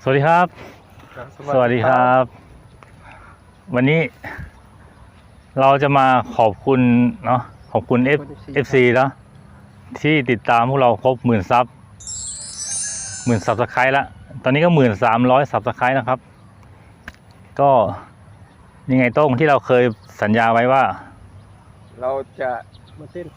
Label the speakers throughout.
Speaker 1: สวัสดีครับสวัสดีครับ วันนี้เราจะมาขอบคุณเนาะขอบคุณ FC เนาะที่ติดตามพวกเราครบ10,000 ซับ10,000 ซับสไครต์ละตอนนี้ก็1300 ซับสไครต์นะครับก็ยังไงโต้งที่เราเคยสัญญาไว้ว่า
Speaker 2: เราจะ
Speaker 3: มาเต้น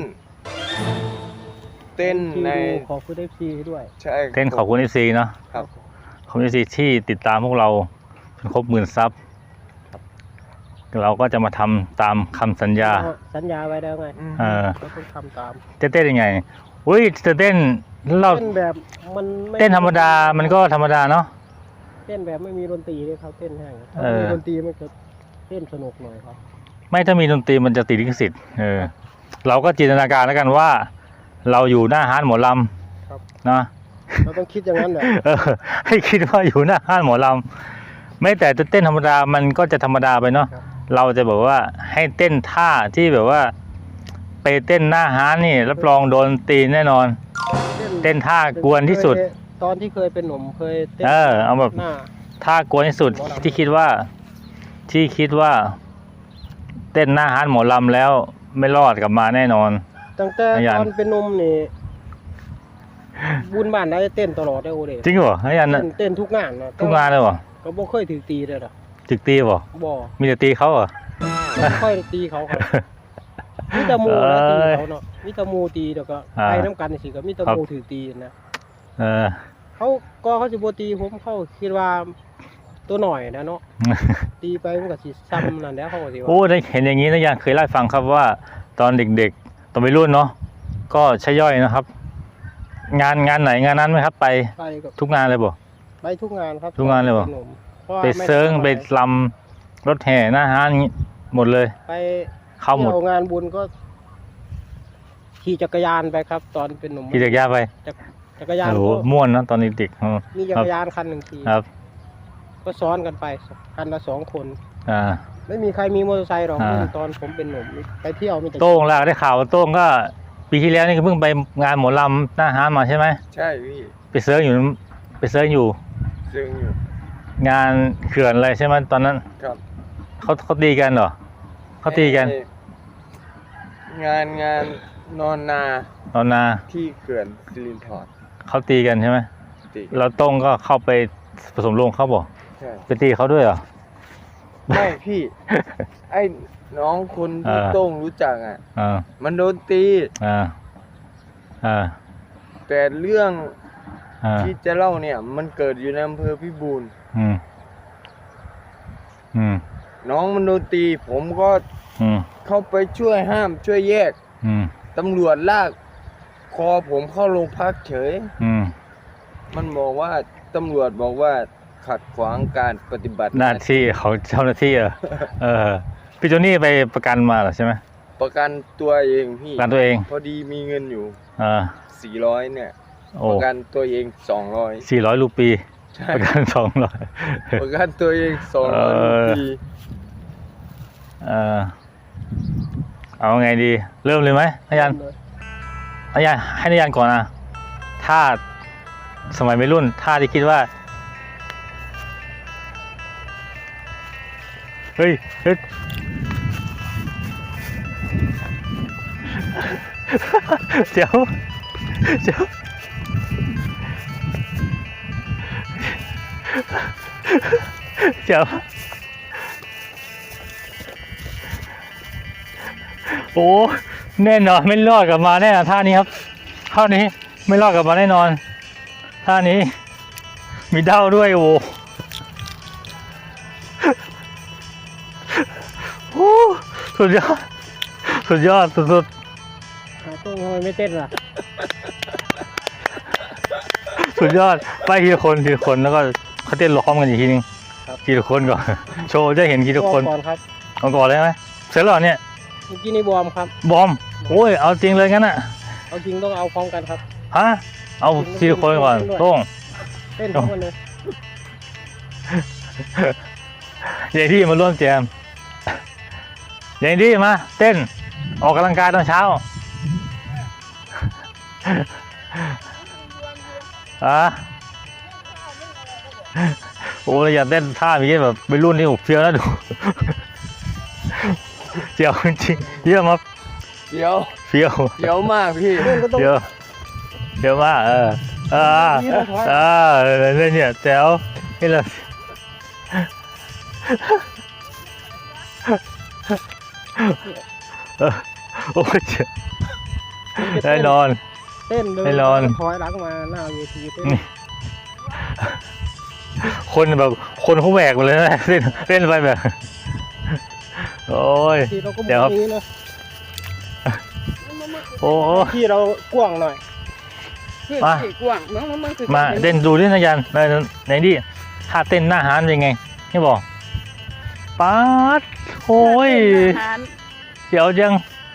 Speaker 2: ใน
Speaker 3: ขอบคุณ FC ด้วย
Speaker 2: ใช่
Speaker 1: เต้นขอบคุณ FC เนาะ
Speaker 2: ครับ
Speaker 1: ขอบคุณ FC ที่ติดตามพวกเราจนครบ10,000 ซับเราก็จะมาทำตามคำสัญญา
Speaker 3: ไว้แล้วไงเราต้องทำตาม
Speaker 1: จะเต้นยังไงอุ้ยจะเต้นเรา
Speaker 3: เต้นแบบมัน
Speaker 1: เต้นธรรมดามันก็ธรรมดาเนาะ
Speaker 3: เต้นแบบไม่มีดนตรีเลยครับเต้นแห้งถ้ามีดนตรีมันจะเต้นสนุกหน่อยครับ
Speaker 1: ไม่ถ้ามีดนตรีมันจะติดลิขสิทธิ์เราก็จินตนาการแล้วกันว่าเราอยู่หน้าห้านหมอลำนะ
Speaker 3: เราต้องคิดอย่างนั้นแหละ
Speaker 1: ให้คิดว่าอยู่หน้าห้านหมอลำไม่แต่จะเต้นธรรมดามันก็จะธรรมดาไปเนาะเราจะบอกว่าให้เต้นท่าที่แบบว่าไปเต้นหน้าห้านนี่รับรองโดนตีแน่นอนเต้นท่ากวนที่สุด
Speaker 3: ตอนที่เคยเป็นหนุ่มเคยเต้น
Speaker 1: เอาแบบท่ากวนที่สุดที่คิดว่าเต้นหน้าห้านหมอลำแล้วไม่รอดกลับมาแน่นอน
Speaker 3: ตั้งแต่ตอนเป็นหนุ่มนี่บุญบ้านได้เต้นตลอดได้โอเด
Speaker 1: จริงเหรอไอ้ยัน
Speaker 3: เต้นทุกงาน
Speaker 1: ทุกงานเลยเหรอ
Speaker 3: ก็บ่เคยถือตีเลยหรอ
Speaker 1: ถึกตีบ่มีแต่ตีเขาเหรอ
Speaker 3: ไม่ค่อยตีเขาครับมิตรมูนะตีเขาเนาะมิตรมูตีแล้วก็ไปน้ำกันสิก็มิตรมูถือตีนะเขาจะโบตีผมเขาคิดว่าตัวหน่อยนะเนาะตีไปมันก็สิซ้ำนั่นแหละเขาสิว่า
Speaker 1: โอ้ได้เห็นอย่างนี้นะยังเคยเล่าฟังครับว่าตอนเด็กๆตอนวัยรุ่นเนาะก็ใช้ย่อยนะครับงานไหนงานนั้นไหมครับไปทุกงานเลยบ่
Speaker 3: ไปทุกงานครับ
Speaker 1: ทุกงานเลยบ่ไปเซิร์งไปลำรถแห่หน้าห้านหมดเลย
Speaker 3: ไป
Speaker 1: เข้าหมด
Speaker 3: งานบุญก็ขี่จักรยานไปครับตอนเป็นหนุ่ม
Speaker 1: ขี่จักรยานไป
Speaker 3: จักรยาน
Speaker 1: โอ้ม่วนนะตอนเด็ก
Speaker 3: มีจักรยานคันหนึ่งขี่
Speaker 1: ครับ
Speaker 3: ก็ซ้อนกันไปคันละ2 คนไม่มีใครมีมอเตอร์ไซค์หรอกตอนผมเป็นหนุ่มไปเที่ยวมีแต่
Speaker 1: โต้งล่ะได้ข่าวโต้งก็ปีที่แล้วนี่ก็เพิ่งไปงานหมอลำหน้าห้านมาใช่ไหม
Speaker 2: ใช่พี่
Speaker 1: ไปเซิร์งอยู่งานเขื่อนอะไรใช่ไหมตอนนั้น
Speaker 2: ครับ
Speaker 1: เขาตีกันเหรอเขาตีกัน
Speaker 2: งานนอนนาที่เขื่อนสิรินธร
Speaker 1: เขาตีกันใช่ไหมเราโต้งก็เข้าไปผสมลงเขาบอกไปตีเขาด้วยเหรอ
Speaker 2: ไม่พี่ไอ้น้องคนที่โต้งรู้จักมันโดนตีแต่เรื่องที่จะเล่าเนี่ยมันเกิดอยู่ในอำเภอพิบูลน้องมันโดนตีผมก็เข้าไปช่วยห้ามช่วยแยกตำรวจลากคอผมเข้าโรงพักเฉยมันบอกว่าตำรวจบอกว่าขัดขวางการปฏิบัติ
Speaker 1: หน้าที่ของเจ้าหน้าที่พี่โจนี่ไปประกันมาเหรอใช่ไหม
Speaker 2: ประกันตัวเองพี่
Speaker 1: ประกันตัวเอง
Speaker 2: พอดีมีเงินอยู่400เนี่ยประกันตัวเอง
Speaker 1: 400 รูปีประกัน200
Speaker 2: ประกันตัวเอง200 รูปี
Speaker 1: เอาไงดีเริ่มเลยไหมนายยันให้นายยันก่อนนะถ้าสมัยวัยรุ่นถ้าที่คิดว่าเฮ้ยเดี๋ยวโอ้แน่นอนไม่รอดกลับมาแน่นอนท่านี้ครับเท่านี้ไม่รอดกลับมาแน่นอนท่านี้มีเด้าด้วยโอ้สุดยอดสุด
Speaker 3: ต้องทำไมไม่เต้นล่ะ
Speaker 1: สุดยอดไปทีละคนแล้วก็เขาเต้นล้อมกันอีกทีนึงทีละคนก่อนโชว์จะเห็นทีละคนก่อนเลยไหมเสร็จแล้วเนี่ย
Speaker 3: เมื่อกี้นี่บอมครับ
Speaker 1: บอมโอ้ยเอาจริงเลยงั้นอ่ะ
Speaker 3: เอาจริงต้องเอาพร้อมกันครับ
Speaker 1: เอาทีละคนก่อนต้อง
Speaker 3: เต้นพร้อมกันเลย
Speaker 1: ใหญ่ที่มาร่วมแจมใหญ่ที่มาเต้นออกกำลังกายตอนเช้าโอ้ยอยากเต้นท่าอย่างนี้แบบเป็นรุ่นที่ผมเฟี้ยวนะดูเจียวจริงๆเยี่ยมครับ
Speaker 2: เดี๋ยว
Speaker 1: เฟี้ยว
Speaker 2: เดี๋ยวมากพี่
Speaker 3: เพื่อนก็ต้อง
Speaker 1: เดี๋ยวมากเนี่ยแจ๋วนี่แหละโอ้ยแน่นอน
Speaker 3: เต้นเลย
Speaker 1: ให้นอน
Speaker 3: ถอยหลังมาหน้าเวทีเต้น
Speaker 1: คนแบบคนเขาแหวกหมดเลยนะเล่นไปแบบโอ้ย
Speaker 3: ทีเราก็ม
Speaker 1: เดี๋ยว
Speaker 3: อ
Speaker 1: ครั
Speaker 3: ง
Speaker 1: บ
Speaker 3: นี้นะ
Speaker 1: โอ้
Speaker 3: ที่เรากว้างหน่อย
Speaker 1: มา
Speaker 4: กว้างมันคือ
Speaker 1: มาเต้นดูดินะยันไหนดิท่าเต้นหน้าฮานเป็นไงนี่บอกป๊าดโอ้ยเดี๋ยวจัง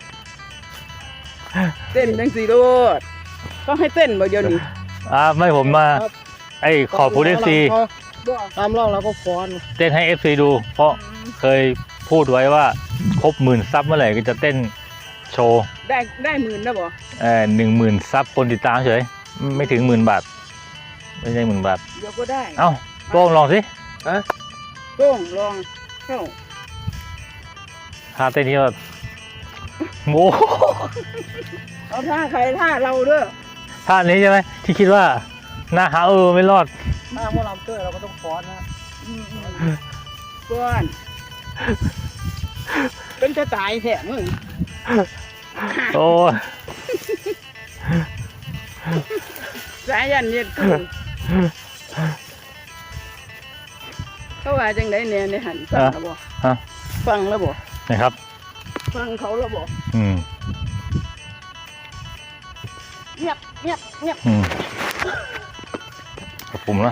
Speaker 4: เต้นจังสีโลดก็ให้เต้นบ่เดี๋ยวนี้
Speaker 1: ไม่ผมมา
Speaker 3: ครับ
Speaker 1: ไอ้ขอบคุณ FC
Speaker 3: ตามรอบเราก็ฟ้อน
Speaker 1: เต้นให้ FC ดู เพราะเคยพูดไว้ว่าครบ10,000 ซับเมื่อไหร่ก็จะเต้นโชว์
Speaker 4: ได้หมื่นนะบ่
Speaker 1: 10,000 ซับคนติดตามเฉยไม่ถึง10,000 บาท ไม่ใช่10,000 บาท
Speaker 4: เดี๋ยวก็ได้
Speaker 1: เอ้าโป้งลองสิ
Speaker 4: โป้งลองเข้า
Speaker 1: ท่าเต้นที่ว่าโอ้
Speaker 4: เอาท่าใครท่าเราเด้อ
Speaker 1: ท่านี้ใช่ไหมที่คิดว่าหน้าหาไม่รอด
Speaker 3: ถ้าพวกเราเต้นเราก็ต้องฟ้อนนะ
Speaker 4: ก่อนเป็นจะตายแท้มึง
Speaker 1: โอ้ย
Speaker 4: สายันเนี่ยเขาว่าจังไดเนี่ยในหันฟังแล้วบ่
Speaker 1: ฮะ
Speaker 4: ฟังแล้วบ่
Speaker 1: นะครับ
Speaker 4: ฟังเขาแล้วบ่
Speaker 1: อืม
Speaker 4: เงียบเงียบเงียบ
Speaker 1: อืมกับผมนะ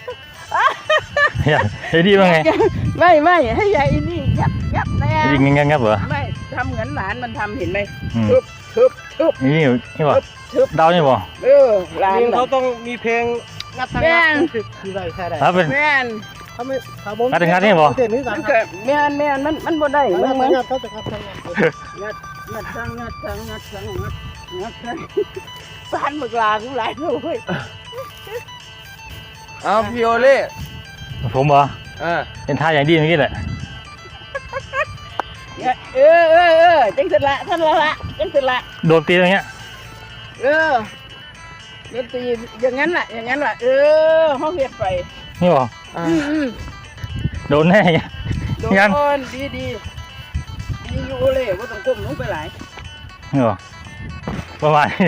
Speaker 1: ไอ้ดีว่าไง
Speaker 4: ไม่ให้ยายอินนี่เงียบเงียบแน่
Speaker 1: ยิงงับเหรอ
Speaker 4: ไม่ทำเหมือนหลานมันทำเห็นไหม
Speaker 1: อืม
Speaker 4: ทึบ
Speaker 1: นี่บ่
Speaker 4: ทึบ
Speaker 1: เดานี่บ่
Speaker 4: หลาน
Speaker 3: เพลง
Speaker 4: เขา
Speaker 3: เขาต้องมีเพลงงัดทาง
Speaker 4: แม่
Speaker 3: งัด
Speaker 4: น
Speaker 3: คือได้ใช่ได้
Speaker 1: ถ้าเป็น
Speaker 4: แม่น
Speaker 3: ถ้าไม่ถ้าผม
Speaker 1: งัดทางงัดนี่บ่
Speaker 3: เต้นนี่
Speaker 4: มั
Speaker 3: กัน น
Speaker 4: เกิดแม่นมันบ่ได้
Speaker 3: งัด
Speaker 4: มึ
Speaker 3: ทาง
Speaker 4: ง
Speaker 3: งัดเขาจะงัดทางงัด
Speaker 4: งัดสานมึกลากูหลายเลย
Speaker 2: เอาพี่โอเล่
Speaker 1: ผมเหรอ
Speaker 2: อ่า
Speaker 1: เป็นท่าอย่างดีเมื่อกี้แหละ
Speaker 4: จังสิละท่านละจังสิละ
Speaker 1: โดนตีตรงเงี้ย
Speaker 4: ดนตรีอย่างนั้นล่ะห้องเฮ็ดไป
Speaker 1: นี่บ่ โดนแน่เงี้ย
Speaker 4: โด
Speaker 1: งั้น
Speaker 4: นดีอยู่เลยบ่ต้องก้มลงไปหลาย
Speaker 1: นี่บ่ประมาณนี้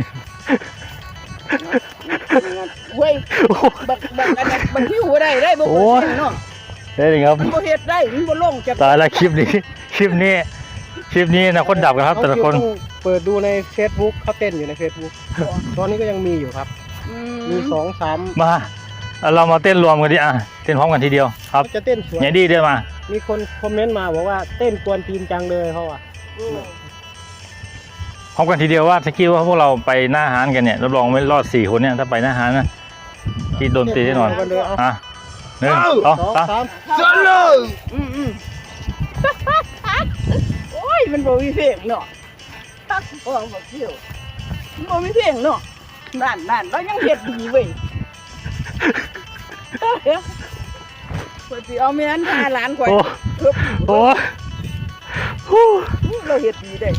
Speaker 4: เว้ยบักอันนั้นบักหิวได้บ่
Speaker 1: โอ้ย
Speaker 4: เนาะ
Speaker 1: ได้เลยครับ
Speaker 4: มันบ่เฮ็ดได้มันบ่ลงจับ
Speaker 1: ตายละคลิปนี้นะคนดับกันครับแต่ละคน
Speaker 3: ต้องเปิดดูใน Facebook เขาเต้นอยู่ใน Facebook ตอนนี้ก็ยังมีอยู่ครับ มี2-3
Speaker 1: มาเรามาเต้นรวมกันดิเต้นพร้อมกันทีเดียวครับ
Speaker 3: เขาจะเต้นสวย
Speaker 1: อย่างดีเดินมา
Speaker 3: มีคนคอมเมนต์มาบอกว่าเต้นกวนตีนจังเลยเขาอ่ะ
Speaker 1: พร้อมกันทีเดียวว่าถ้าคิดว่าพวกเราไปหน้าฮานกันเนี่ยรับรองไม่รอด4 คนเนี่ยถ้าไปหน้าฮานนะคิดโดนตีแน่นอน
Speaker 3: เต้เลยเอา
Speaker 1: 1 2 3
Speaker 2: จนเลย
Speaker 4: โอ้ยมันบ่มีเพลงเนาะตักโอ้บ่เที่ยวมันบ่มีเพลงเนาะนั่นเรายังเฮ็ดดีเว้ยข่อยสิเอาแม่นพาหลานข่อย
Speaker 1: โอ้
Speaker 4: ทึบ
Speaker 1: โอ้ฮู้
Speaker 4: เราเฮ็ดดีได้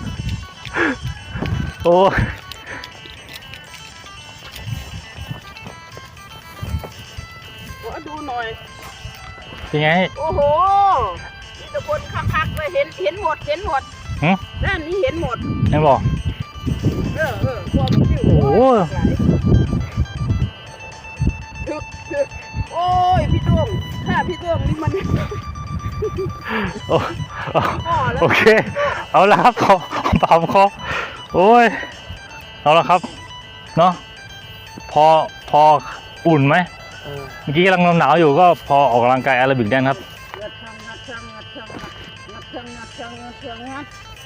Speaker 1: โอ้
Speaker 4: ขอดูหน่อย
Speaker 1: เป็นไง
Speaker 4: โอ้โหมีแต่คนคักๆเลยเห็นหมด
Speaker 1: หึ
Speaker 4: ด้านนี้เห็นหมด
Speaker 1: ยังบอก
Speaker 4: พวกมันอยู่
Speaker 1: โอ้โห
Speaker 4: ถึกโอ้ยพี่ต้วงถ้าพี่ต้วงนี่มัน
Speaker 1: โอ้
Speaker 4: พ่อแล้ว
Speaker 1: โอเค เอาละครับขอปามคอโอ้ยเอาละครับเนาะพออุ่นไหมเมื่อกี้กำลังหนาวอยู่ก็พอออกกำลังกายแอโรบิกได้ครับ
Speaker 4: งัดช่างงัด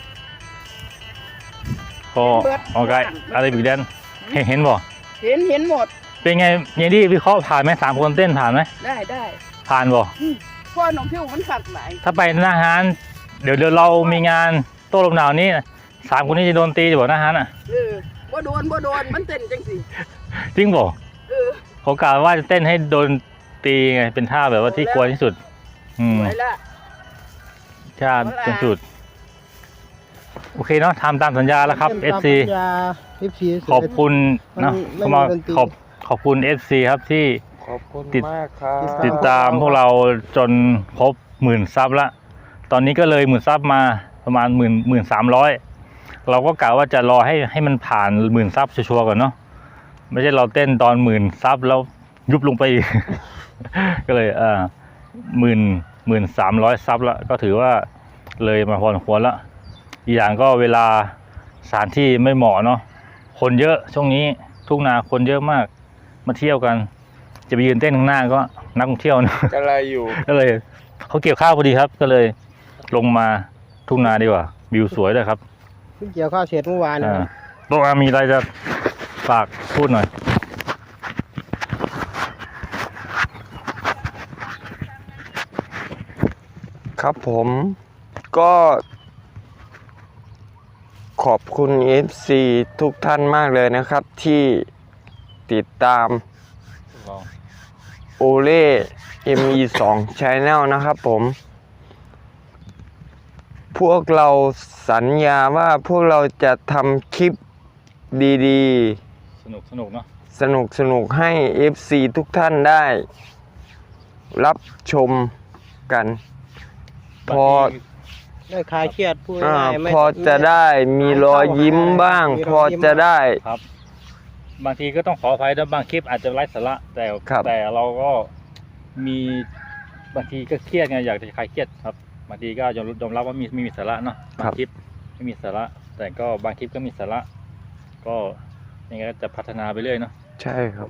Speaker 1: พอออกกำลังกายแอโรบิกแดนเห็นบ่
Speaker 4: เห็นหมด
Speaker 1: เป็นไงยังดีวิเคราะห์ผ่านไหม3 คนเต้นผ่านไหม
Speaker 4: ได้
Speaker 1: ผ่านบ่
Speaker 4: พ่อน้องพิวมันขักหลาย
Speaker 1: ถ้าไปหน้าฮานเดี๋ยวเรามีงานโต้ลมหนาวนี้3 คนนี้จะโดนตีจะบอกหน้าฮานอ่ะ
Speaker 4: บ่โดนมันเต้นจังสิ
Speaker 1: จริงบ่เขากล่าวว่าจะเต้นให้โดนตีไงเป็นท่าแบบว่าที่กลัวที่สุด
Speaker 4: ไว้ละ
Speaker 1: ท่าเป็นสุดโอเคเนาะทำตามสัญญาแล้วครับ FC ขอบคุณเนาะเข้ามาขอบคุณ FC ครับที่
Speaker 2: ขอบคุณ
Speaker 1: ติด
Speaker 2: มากครับ
Speaker 1: ติดตามพวกเราจนครบ10,000 ซับละตอนนี้ก็เลย10,000 ซับมาประมาณ13,000เราก็กะว่าจะรอให้มันผ่าน10,000 ซับชัวร์ๆก่อนเนาะไม่ใช่เราเต้นตอน10,000 ซับแล้วยุบลงไปอีก ก็เลย13,000 ซับละก็ถือว่าเลยมาพอสมควรละอีกอย่างก็เวลาสถานที่ไม่เหมาะเนาะคนเยอะช่วงนี้ทุ่งนาคนเยอะมากมาเที่ยวกันจะไปยืนเต้นข้างหน้าก็นักท่องเที่ยวนะ
Speaker 2: ก็อะไรอยู่
Speaker 1: ก็เลยเขาเกี่ยวข้าวพอดีครับ ก็เลยลงมาทุ่งนาดีกว่าวิวสวยเลยครับ
Speaker 3: เพิ่งเกี่ยวข้าวเสร็จเมื่อวานนะ
Speaker 1: โตอามีอะไรจะฝากพูดหน่อย
Speaker 2: ครับผมก็ขอบคุณ FC ทุกท่านมากเลยนะครับที่ติดตามโอเล่ ME2 Channel นะครับผมพวกเราสัญญาว่าพวกเราจะทำคลิปดี
Speaker 1: สนุกเนาะ
Speaker 2: ๆ สนุกให้ FC ทุกท่านได้รับชมกันพอ
Speaker 3: ได้คลายเครียดพูด
Speaker 2: อ่า
Speaker 3: ง่ายๆไม่
Speaker 2: พอจะได้มีรอยยิ้มบ้าง
Speaker 3: มีรอยยิ้ม
Speaker 2: พอจะได้
Speaker 1: ครับ บางทีก็ต้องขออภัยนะบางคลิปอาจจะไร้สาระแต่เราก็มีบางทีก็เครียดไงอยากจะคลายเครียดครับบางทีก็ยอมรับว่ามีสาระเนาะบางคลิปไม่มีสาระ แต่ก็บางคลิปก็มีสาระ ก็ยังไงก็จะพัฒนาไปเรื่อยเนาะ
Speaker 2: ใช่ครับ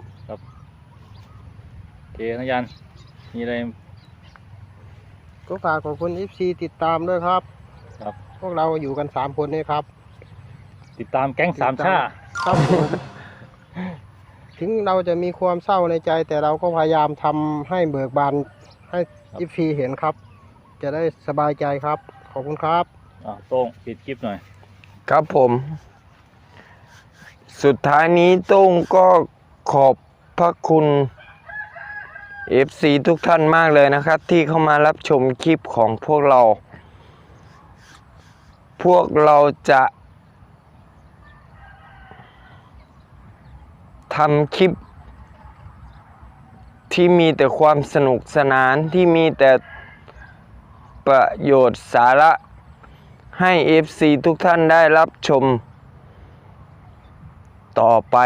Speaker 1: โอเคนะยันมีอะไร
Speaker 3: ก็ฝากขอบคุณ FC ติดตามด้วยครับ
Speaker 1: ครับ
Speaker 3: พวกเราอยู่กัน3คนนี่ครับ
Speaker 1: ติดตามแก๊งสามชา
Speaker 3: ครับผมถึงเราจะมีความเศร้าในใจ แต่เราก็พยายามทำให้เบิกบานให้ FC เห็นครับ จะได้สบายใจครับ ขอบคุณครับ
Speaker 1: โต้งปิดคลิปหน่อย
Speaker 2: ครับผม สุดท้ายนี้โต้งก็ขอบพระคุณ FC ทุกท่านมากเลยนะครับ ที่เข้ามารับชมคลิปของพวกเรา พวกเราจะทำคลิป ที่มีแต่ความสนุกสนานที่มีแต่ประโยชน์สาระให้ FC ทุกท่านได้รับชม ต่อไป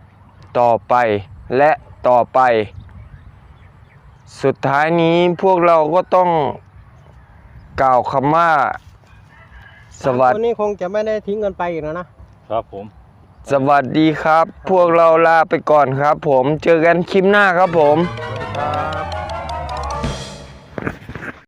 Speaker 2: และต่อไป สุดท้ายนี้พวกเราก็ต้องกล่าวคำว่าสวัส
Speaker 3: คนนี้คงจะไม่ได้ทิ้งกันไปอีกแล้วนะ
Speaker 1: ครับผม
Speaker 2: สวัสดีครับ พวกเราลาไปก่อนครับผมเจอกันคลิปหน้าครับผม
Speaker 1: ค